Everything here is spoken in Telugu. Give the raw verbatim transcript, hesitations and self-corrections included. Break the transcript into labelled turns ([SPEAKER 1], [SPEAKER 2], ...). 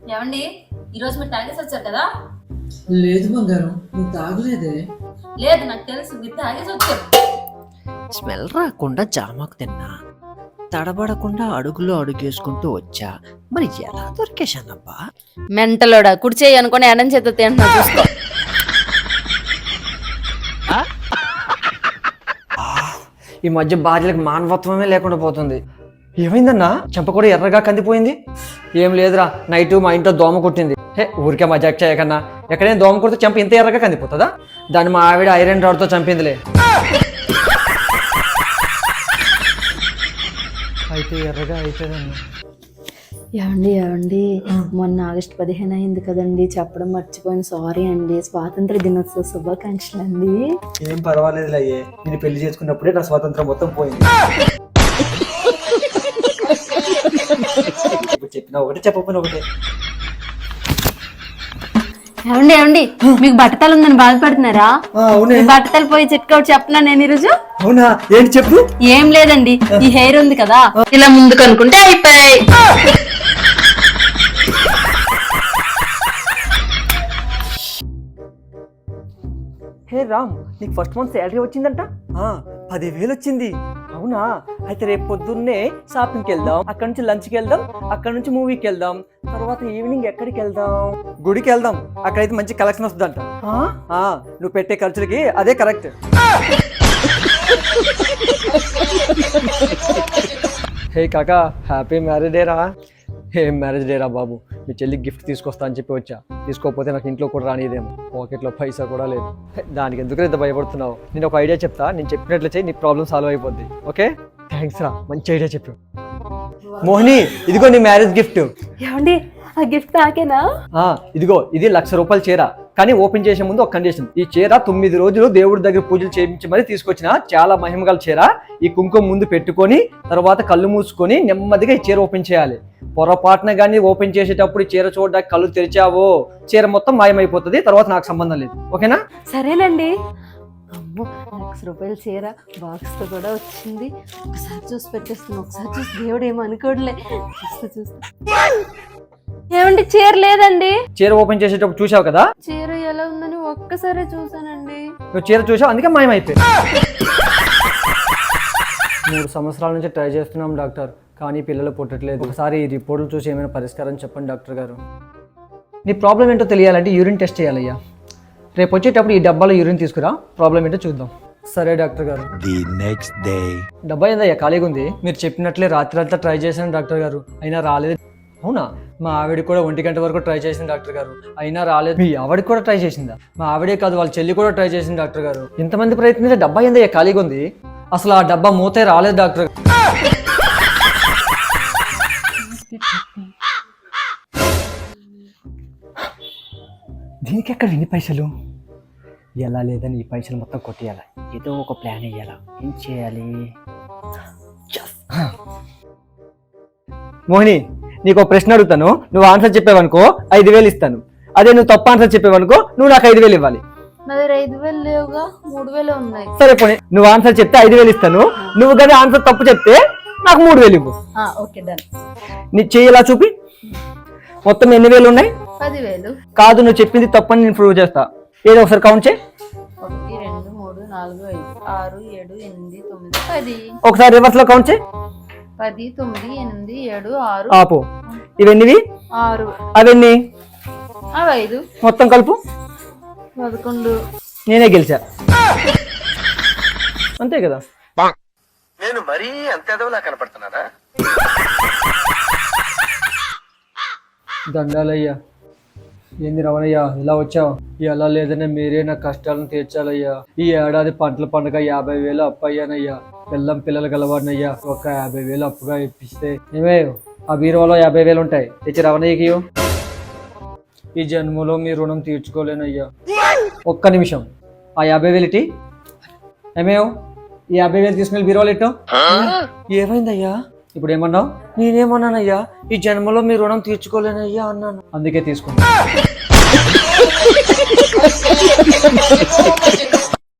[SPEAKER 1] ఏమండి ఈరోజు మీరు తాగేసి వచ్చారు కదా?
[SPEAKER 2] లేదు బంగారం, నువ్వు తాగలేదే.
[SPEAKER 1] లేదు నాకు తెలుసు, మీరు తాగేసి వచ్చారు.
[SPEAKER 3] స్మెల్ రాకుండా జామాకు తిన్నా, తడబడకుండా అడుగులో అడుగేసుకుంటూ వచ్చా. మరి ఎలా దొరికేశానబ్బా?
[SPEAKER 1] మెంటలోడా, కుడిచేయి అనుకుని ఎడం చేత తింటున్నా చూసుకో.
[SPEAKER 3] ఈ మధ్య భార్యలకు మానవత్వమే లేకుండా పోతుంది. ఏమైందన్నా? చెంప కూడా ఎర్రగా కందిపోయింది. ఏం లేదురా, నైట్ మా ఇంట్లో దోమ కొట్టింది. హే ఊరికే మజాక్ చేయకన్నా. ఎక్కడైనా దోమ కొడితే చెంప ఇంత ఎర్రగా కందిపోతుందా? దాన్ని మా ఆవిడ ఐరన్ రాడ్తో చంపిందిలే. అయితే ఎర్రగా అవుతుందన్నా.
[SPEAKER 4] ఏమండి ఏమండి మొన్న ఆగస్టు పదిహేను అయింది కదండి, చెప్పడం మర్చిపోయాను, సారీ అండి. స్వాతంత్ర దినోత్సవ శుభాకాంక్షలు అండి.
[SPEAKER 3] ఏం పర్వాలేదు అయ్యే, నేను పెళ్లి చేసుకున్నప్పుడే నా స్వాతంత్రం మొత్తం పోయింది. చెప్పిన ఒకటి చెప్పకపోయినా ఒకటే.
[SPEAKER 4] ఏమండి ఏమండి మీకు బట్టతలు ఉందని బాధపడుతున్నారా? బట్టతలు పోయి చిట్కౌట్ చెప్పనా నేను ఈరోజు?
[SPEAKER 3] అవునా, ఏంటి చెప్పు.
[SPEAKER 4] ఏం లేదండి, ఈ హెయిర్ ఉంది కదా, ఇలా ముందుకు అనుకుంటే అయిపోయాయి.
[SPEAKER 3] హే రామ్, నీకు ఫస్ట్ మంత్ శాలరీ వచ్చిందంట? పదివేలు వచ్చింది. అవునా, అయితే రేపు పొద్దున్నే షాపింగ్కి వెళ్దాం, అక్కడ నుంచి లంచ్కి వెళ్దాం, అక్కడ నుంచి మూవీకి వెళ్దాం, తర్వాత ఈవినింగ్ ఎక్కడికి వెళ్దాం? గుడికి వెళ్దాం, అక్కడైతే మంచి కలెక్షన్ వస్తుందంట. నువ్వు పెట్టే ఖర్చులకి అదే కరెక్ట్. హే కాకా, హ్యాపీ మ్యారేజ్ డే రా. ఏం మ్యారేజ్ డే రా బాబు, మీ చెల్లికి గిఫ్ట్ తీసుకొస్తా అని చెప్పి వచ్చా. తీసుకోకపోతే నాకు ఇంట్లో కూడా రానిదేమో, పాకెట్లో పైసా కూడా లేదు. దానికి ఎందుకు ఇంత భయపడుతున్నావు? నేను ఒక ఐడియా చెప్తా, నేను చెప్పినట్లు చేయి, నీ ప్రాబ్లం సాల్వ్ అయిపోద్ది. ఓకే, థ్యాంక్స్ రా, మంచి ఐడియా చెప్పు. మోహిని, ఇదిగో నీ మ్యారేజ్ గిఫ్ట్.
[SPEAKER 4] ఏమండి ఆ గిఫ్ట్ నాకేనా?
[SPEAKER 3] ఇదిగో, ఇది లక్ష రూపాయల చీర. కానీ ఓపెన్ చేసే ముందు ఒక కండిషన్. ఈ చీర తొమ్మిది రోజులు దేవుడి దగ్గర పూజలు చేయించి మరీ తీసుకొచ్చిన చాలా మహిమగల చీర. ఈ కుంకుమ ముందు పెట్టుకొని తర్వాత కళ్ళు మూసుకొని నెమ్మదిగా ఈ చీర ఓపెన్ చేయాలి. పొరపాటున కానీ ఓపెన్ చేసేటప్పుడు చీర చూడడానికి కళ్ళు తెరిచావో చీర మొత్తం మాయమైపోతుంది. తర్వాత నాకు సంబంధం లేదు. ఓకేనా?
[SPEAKER 4] సరేనండి. అమ్మో, లక్ష రూపాయల చీర బాక్స్ తో కూడా వచ్చింది. ఒకసారి చూసి పెట్టేస్తున్నా, ఒకసారి చూసి దేవుడు ఏమో అనుకోవట్లే. చూస్తూ చూస్తా. ఏమండి చీర లేదండి.
[SPEAKER 3] చీర ఓపెన్ చేసేటప్పుడు చూసావు కదా?
[SPEAKER 4] చీర ఎలా ఉందని ఒక్కసారి చూసానండి.
[SPEAKER 3] నువ్వు చీర చూసావు, అందుకే మాయమైపోయింది. మూడు సంవత్సరాల నుంచి ట్రై చేస్తున్నాం డాక్టర్, కానీ పిల్లలు పుట్టట్లేదు. ఒకసారి ఈ రిపోర్టులు చూసి ఏమైనా పరిష్కారం చెప్పండి డాక్టర్ గారు. నీ ప్రాబ్లం ఏంటో తెలియాలంటే యూరిన్ టెస్ట్ చేయాలయ్యా. రేపు వచ్చేటప్పుడు ఈ డబ్బాలో యూరిన్ తీసుకురా, ప్రాబ్లం ఏంటో చూద్దాం. సరే డాక్టర్ గారు.
[SPEAKER 5] The next day.
[SPEAKER 3] డబ్బా ఏందయ్యా ఖాళీగా ఉంది? మీరు చెప్పినట్లే రాత్రి అంతా ట్రై చేశాను డాక్టర్ గారు, అయినా రాలేదు. అవునా? మా ఆవిడ కూడా ఒంటి గంట వరకు ట్రై చేసింది డాక్టర్ గారు, అయినా రాలేదు. మీ ఆవిడకి కూడా ట్రై చేసిందా? మా ఆవిడే కాదు, వాళ్ళ చెల్లి కూడా ట్రై చేసింది డాక్టర్ గారు. ఇంతమంది ప్రయత్నించే డబ్బా ఏందయ్యా ఖాళీగా ఉంది? అసలు ఆ డబ్బా మూతే రాలేదు డాక్టర్. దీనికి ఎక్కడ ఎన్ని పైసలు? ఎలా లేదని ఈ పైసలు మొత్తం కొట్టేయాలి. ఏదో ఒక ప్లాన్ వేయాలా. ఏం చేయాలి? మోహిని, నీకు ఒక ప్రశ్న అడుగుతాను, నువ్వు ఆన్సర్ చెప్పావనుకో ఐదు వేలు ఇస్తాను. అదే నువ్వు తప్పు ఆన్సర్ చెప్పావనుకో నువ్వు నాకు ఐదు వేలు ఇవ్వాలి.
[SPEAKER 4] నా దగ్గర ఐదు వేలు లేవుగా, మూడు వేలు ఉన్నాయి.
[SPEAKER 3] సరే పోనీ, నువ్వు ఆన్సర్ చెప్తే ఐదు వేలు ఇస్తాను, నువ్వు కానీ ఆన్సర్ తప్పు చెప్తే నాకు మూడు వేలు ఇవ్వు.
[SPEAKER 4] Okay done.
[SPEAKER 3] నీ చెయ్యి ఇలా చూపి. మొత్తం ఎన్ని వేలు ఉన్నాయి?
[SPEAKER 4] పదివేలు.
[SPEAKER 3] కాదు, నువ్వు చెప్పింది తప్పని నేను ప్రూవ్ చేస్తా. ఏదో ఒకసారి కౌంట్ చేయి.
[SPEAKER 4] ఒకటి రెండు మూడు నాలుగు ఐదు ఆరు ఏడు ఎనిమిది తొమ్మిది పది.
[SPEAKER 3] ఒకసారి రివర్స్ లో కౌంట్ చేయి.
[SPEAKER 4] పది తొమ్మిది ఎనిమిది ఏడు ఆరు.
[SPEAKER 3] ఆపు. ఇవన్నీవి?
[SPEAKER 4] ఆరు.
[SPEAKER 3] అవన్నీ?
[SPEAKER 4] అవి ఐదు.
[SPEAKER 3] మొత్తం కలుపు.
[SPEAKER 4] పదకొండు.
[SPEAKER 3] నేనే గెలిచా, అంతే కదా?
[SPEAKER 5] నేను మరీ అంత ఎదవలా కనపడుతున్నారా?
[SPEAKER 3] దండాలయ్యా. ఏంది రమణయ్యా ఇలా వచ్చావు? ఎలా లేదనే మీరే నా కష్టాలను తీర్చాలయ్యా. ఈ ఏడాది పంటల పండుగ యాభై వేలు అప్పు అయ్యానయ్యా. పిల్లం పిల్లలు గలవాడినయ్యా. ఒక యాభై వేలు అప్పుగా ఇప్పిస్తే ఏమే ఆ బీరువాలో యాభై వేలు ఉంటాయి, తెచ్చి రమణయ్యకి. ఈ జన్మలో మీ రుణం తీర్చుకోలేనయ్యా. ఒక్క నిమిషం, ఆ యాభై వేలు ఇటీ. ఏమేవ్ ఈ యాభై వేలు తీసుకుని బీరువాలు ఇట్టో. ఏమైందయ్యా? ఇప్పుడు ఏమన్నావు? నేనేమన్నానయ్యా? ఈ జన్మలో మీ రుణం తీర్చుకోలేనయ్యా అన్నాను, అందుకే తీసుకున్నా.